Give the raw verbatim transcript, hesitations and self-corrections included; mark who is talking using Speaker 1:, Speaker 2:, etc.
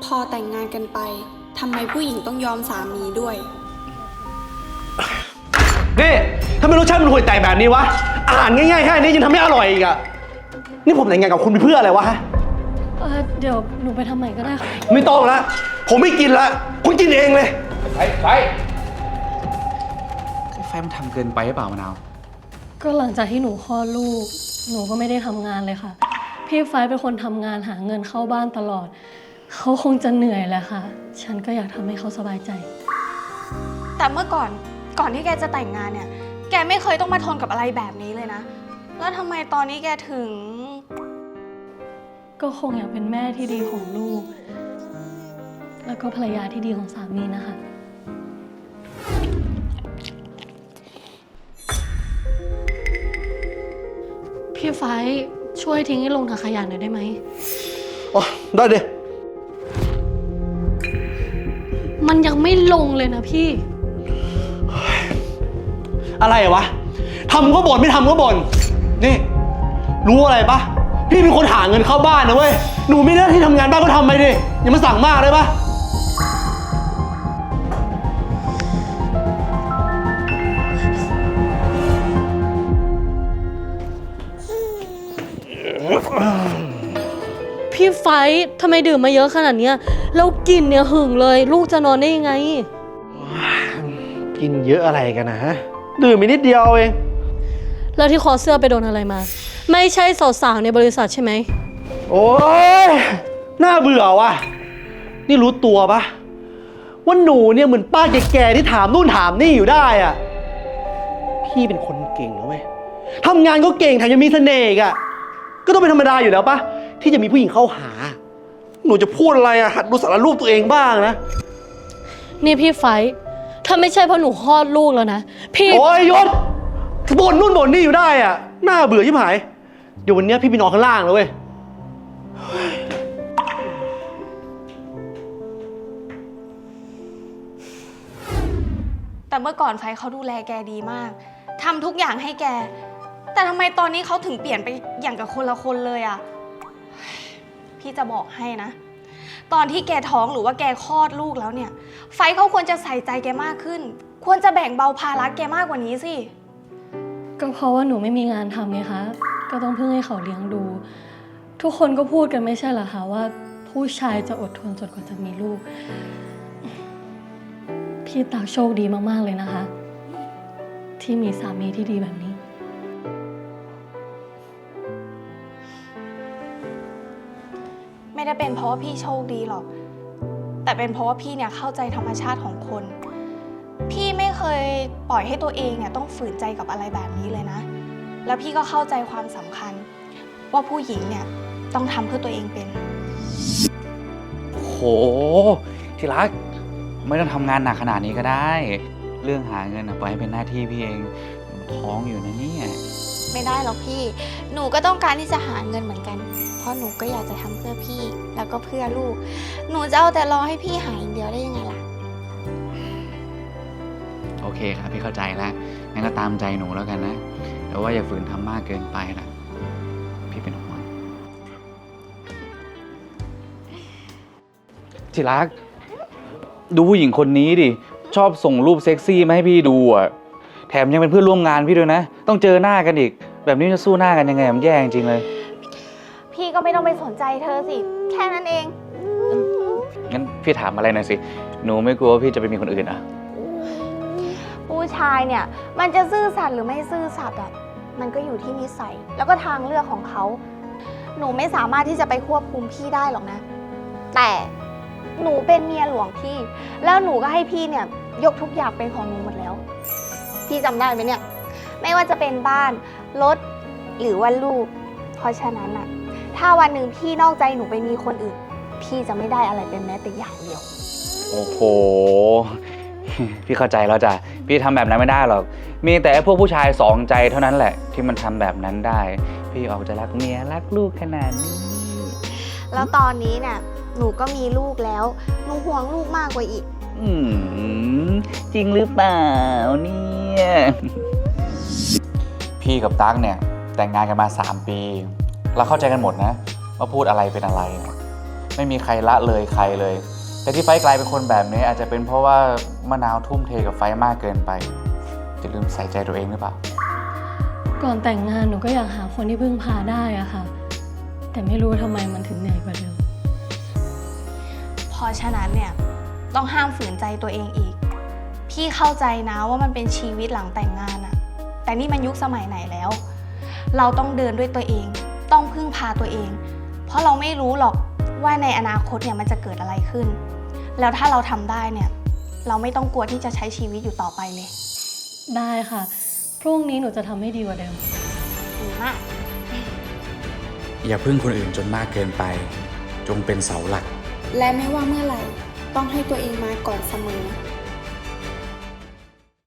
Speaker 1: พอแต่งงานกันไปทำไมผู้หญิงต้องยอมสามีด้วย
Speaker 2: นี่ทำไมรสชาติมันห่วยแตกแบบนี้วะอาหารง่ายๆแค่นี้ยังทำไม่อร่อยอีกอะนี่ผมแต่งงานกับคุณเพื่ออะไรวะฮะ
Speaker 3: เออเดี๋ยวหนูไปทำใหม่ก็ได้ค่ะ
Speaker 2: ไม่ต้องละผมไม่กินละคุณกินเองเลย
Speaker 4: ไฟไฟไฟมันทำเกินไปหรือเปล่ามะนาว
Speaker 3: ก็หลังจากที่หนูคลอดลูกหนูก็ไม่ได้ทำงานเลยค่ะพี่ไฟเป็นคนทำงานหาเงินเข้าบ้านตลอดเขาคงจะเหนื่อยแหละค่ะฉันก็อยากทำให้เขาสบายใจ
Speaker 1: แต่เมื่อก่อนก่อนที่แกจะแต่งงานเนี่ยแกไม่เคยต้องมาทนกับอะไรแบบนี้เลยนะแล้วทำไมตอนนี้แกถึง
Speaker 3: ก็คงอยากเป็นแม่ที่ดีของลูกแล้วก็ภรรยาที่ดีของสามีนะคะพี่ไฟช่วยทิ้งให้ลงถังขยะหน่อยได้ไหม
Speaker 2: อ๋อได้ดิ
Speaker 3: มันยังไม่ลงเลยนะพี่
Speaker 2: อะไรวะทำก็บ่นไม่ทำก็บ่นนี่รู้อะไรปะพี่เป็นคนหาเงินเข้าบ้านนะเว้ยหนูไม่ได้ที่ทำงานบ้านก็ทำไปดิอย่ามาสั่งมากเลยปะ
Speaker 3: พี่ไฟทำไมดื่มมาเยอะขนาดนี้แล้วกลิ่นเนี่ยหึงเลยลูกจะนอนได้ยังไง
Speaker 2: กินเยอะอะไรกันนะฮะดื่มไปนิดเดียวเอง
Speaker 3: แล้วที่คอเสื้อไปโดนอะไรมาไม่ใช่สาวๆในบริษัทใช่ไหม
Speaker 2: โอ้ยน่าเบื่อว่ะนี่รู้ตัวปะว่าหนูเนี่ยเหมือนป้าแก่ๆที่ถามนู่นถามนี่อยู่ได้อ่ะพี่เป็นคนเก่งนะเว้ยทำงานก็เก่งแถมยังมีเสน่ห์อีกอ่ะก็ต้องเป็นธรรมดาอยู่แล้วปะที่จะมีผู้หญิงเข้าหาหนูจะพูดอะไรอ่ะหัดดูสารรูปตัวเองบ้างนะ
Speaker 3: นี่พี่ไฟถ้าไม่ใช่เพราะหนูคลอดลูกแล้วนะพี่
Speaker 2: โอ้ยยศบ่นนู่นบ่นนี่อยู่ได้อ่ะน่าเบื่อชิบหายเดี๋ยววันนี้พี่ไปนอนข้างล่างแล้วเว้ย
Speaker 1: แต่เมื่อก่อนไฟเขาดูแลแกดีมากทำทุกอย่างให้แกแต่ทำไมตอนนี้เขาถึงเปลี่ยนไปอย่างกับคนละคนเลยอ่ะพี่จะบอกให้นะตอนที่แกท้องหรือว่าแกคลอดลูกแล้วเนี่ยไฟเขาควรจะใส่ใจแกมากขึ้นควรจะแบ่งเบาภาระแกมากกว่านี้สิ
Speaker 3: ก็เพราะว่าหนูไม่มีงานทำไงคะก็ต้องพึ่งให้เขาเลี้ยงดูทุกคนก็พูดกันไม่ใช่เหรอคะว่าผู้ชายจะอดทนจนกว่าจะมีลูกพี่ตักโชคดีมากๆเลยนะคะที่มีสามีที่ดีแบบนี้
Speaker 1: ไม่ได้เป็นเพราะว่าพี่โชคดีหรอกแต่เป็นเพราะว่าพี่เนี่ยเข้าใจธรรมชาติของคนพี่ไม่เคยปล่อยให้ตัวเองเนี่ยต้องฝืนใจกับอะไรแบบนี้เลยนะแล้วพี่ก็เข้าใจความสำคัญว่าผู้หญิงเนี่ยต้องทำเพื่อตัวเองเป็น
Speaker 4: โหที่รักไม่ต้องทำงานหนักขนาดนี้ก็ได้เรื่องหาเงินปล่อยให้เป็นหน้าที่พี่เองท้องอยู่นะเนี่ย
Speaker 1: ไม่ได้หรอกพี่หนูก็ต้องการที่จะหาเงินเหมือนกันเพราะหนูก็อยากจะทำเพื่อพี่แล้วก็เพื่อลูกหนูจะเอาแต่รอให้พี่หายอย่างเดียวได้ยังไงล่ะ
Speaker 4: โอเคครับพี่เข้าใจแล้วงั้นก็ตามใจหนูแล้วกันนะแต่ว่าอย่าฝืนทำมากเกินไปนะพี่เป็นห่วงที่รักดูผู้หญิงคนนี้ดิชอบส่งรูปเซ็กซี่มาให้พี่ดูอ่ะแถมยังเป็นเพื่อนร่วมงานพี่ด้วยนะต้องเจอหน้ากันอีกแบบนี้จะสู้หน้ากันยังไงมันแย่จริงเลย
Speaker 1: พี่ก็ไม่ต้องไปสนใจเธอสิแค่นั้นเอง
Speaker 4: งั้นพี่ถามอะไรหน่อยสิหนูไม่กลัวว่าพี่จะไปมีคนอื่นอ่ะ
Speaker 1: ผู้ชายเนี่ยมันจะซื่อสัตย์หรือไม่ซื่อสัตย์อ่ะมันก็อยู่ที่นิสัยแล้วก็ทางเลือกของเขาหนูไม่สามารถที่จะไปควบคุมพี่ได้หรอกนะแต่หนูเป็นเมียหลวงพี่แล้วหนูก็ให้พี่เนี่ยยกทุกอย่างเป็นของหนูหมดแล้วพี่จำได้ไหมเนี่ยไม่ว่าจะเป็นบ้านรถหรือว่าลูกเพราะฉะนั้นอะถ้าวันหนึ่งพี่นอกใจหนูไปมีคนอื่นพี่จะไม่ได้อะไรเป็นแม้แต่อย่างเดียว
Speaker 4: โอ้โหพี่เข้าใจแล้วจ้ะพี่ทำแบบนั้นไม่ได้หรอกมีแต่พวกผู้ชายสองใจเท่านั้นแหละที่มันทำแบบนั้นได้พี่ออกจะรักเมียรักลูกขนาดนี้
Speaker 1: แล้วตอนนี้เนี่ยหนูก็มีลูกแล้วหนูห่วงลูกมากกว่าอีก
Speaker 4: อืมจริงหรือเปล่าเนี่ยพี่กับตั๊กเนี่ยแต่งงานกันมาสามปีเราเข้าใจกันหมดนะว่าพูดอะไรเป็นอะไรไม่มีใครละเลยใครเลย แต่ที่ไฟกลายเป็นคนแบบนี้อาจจะเป็นเพราะว่ามะนาวทุ่มเทกับไฟมากเกินไปจะลืมใส่ใจตัวเองหรือเปล่า
Speaker 3: ก่อนแต่งงานหนูก็อยากหาคนที่พึ่งพาได้อะค่ะ แต่ไม่รู้ทำไมมันถึงเหนื่อยกว่าเดิม
Speaker 1: เพราะฉะนั้นเนี่ยต้องห้ามฝืนใจตัวเองอีก พี่เข้าใจนะว่ามันเป็นชีวิตหลังแต่งงานอะแต่นี่มันยุคสมัยไหนแล้ว เราต้องเดินด้วยตัวเอง ต้องพึ่งพาตัวเอง เพราะเราไม่รู้หรอกว่าในอนาคตเนี่ยมันจะเกิดอะไรขึ้น แล้วถ้าเราทำได้เนี่ยเราไม่ต้องกลัวที่จะใช้ชีวิตอยู่ต่อไปเลย
Speaker 3: ได้ค่ะ พรุ่งนี้หนูจะทำให้ดีกว่าเดิม
Speaker 1: ดีมาก
Speaker 4: อย่าพึ่งคนอื่นจนมากเกินไป จงเป็นเสาหลัก
Speaker 5: และไม่ว่าเมื่อไหร่ต้องให้ตัวเองมาก่อนเสมอ